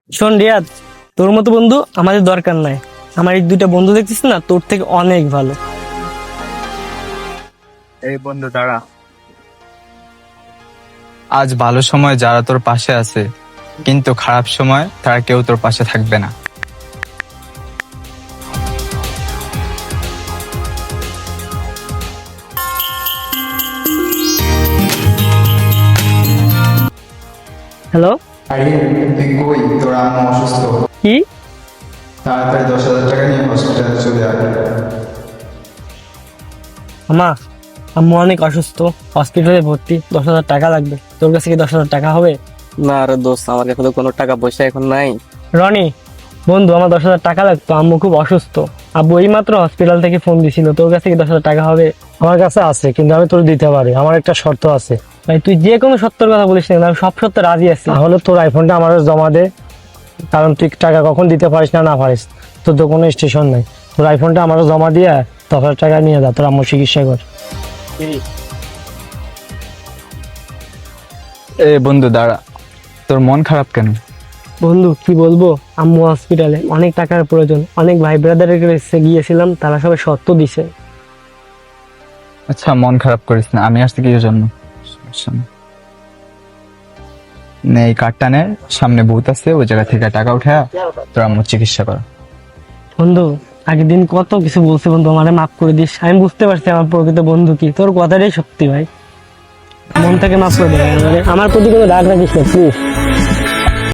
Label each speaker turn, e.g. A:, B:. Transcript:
A: শোন রিয়াদ, তোর মতো বন্ধু আমাদের দরকার নাই। আমার এই দুইটা বন্ধু দেখছিস না, তোর থেকে অনেক ভালো।
B: এই বন্ধু দাঁড়া।
C: আজ ভালো সময় যারা তোর পাশে আছে, কিন্তু খারাপ সময় তারা কেউ তোর পাশে থাকবে না।
A: হ্যালো,
D: আরে তুই কই? তোর আম্মু অসুস্থ।
A: কি?
D: তাড়াতাড়ি 10,000 টাকা নিয়ে হসপিটালে চলে আয়।
A: আমা, আম্মু অনেক অসুস্থ, হসপিটালে ভর্তি, 10,000 টাকা লাগবে। তোর কাছে কি 10,000 টাকা হবে?
B: না রে দোস্ত, আমার কাছে তো কোনো টাকা পয়সা এখন নাই।
A: রনি বন্ধু, আমার 10,000 টাকা লাগতো, আম্মু খুব অসুস্থ। আব্বু এই মাত্র হসপিটাল থেকে ফোন দিছিল। তোর কাছে কি 10,000 টাকা হবে?
E: আমার কাছে আছে, কিন্তু আমি তোর দিতে পারি। আমার একটা শর্ত আছে।
A: ভাই তুই যে কোনো সত্যের কথা বলিস না, আমি সব সত্য রাজি আছি।
E: তাহলে তোর আইফোনটা আমার জমা দে, কারণ তুই টাকা কখন দিতে পারিস না পারিস, তোর তো কোনো স্টেশন নাই। তোর আইফোনটা আমারও জমা দিয়ে 10,000 টাকা নিয়ে যা, তোর আম্মুর চিকিৎসা কর।
C: এ বন্ধু দাঁড়া, তোর মন খারাপ কেন?
A: বন্ধু কি বলবো, আম্মু হসপিটালে, অনেক টাকার প্রয়োজন। অনেক ভাই ব্রাদারের কাছে গিয়েছিলাম, তারা সবাই সত্য দিছে।
C: আচ্ছা মন খারাপ করিস না, আমি আসছি কি জন্য। সমস্যা নেই। নে এই কার্ডটা নে, সামনে ভূত আছে, ওই জায়গা থেকে টাকা উঠে তোর আম্মুর চিকিৎসা কর।
A: বন্ধু আগের দিন কত কিছু বলছে বন্ধু, আমারে মাফ করে দিস। আমি বুঝতে পারছি আমার প্রকৃত বন্ধু কি। তোর কথাটাই সত্যি ভাই, মন থেকে মাফ করে দে ভাই আমারে। আমার প্রতি কোনো রাগ রাখিস না প্লিজ।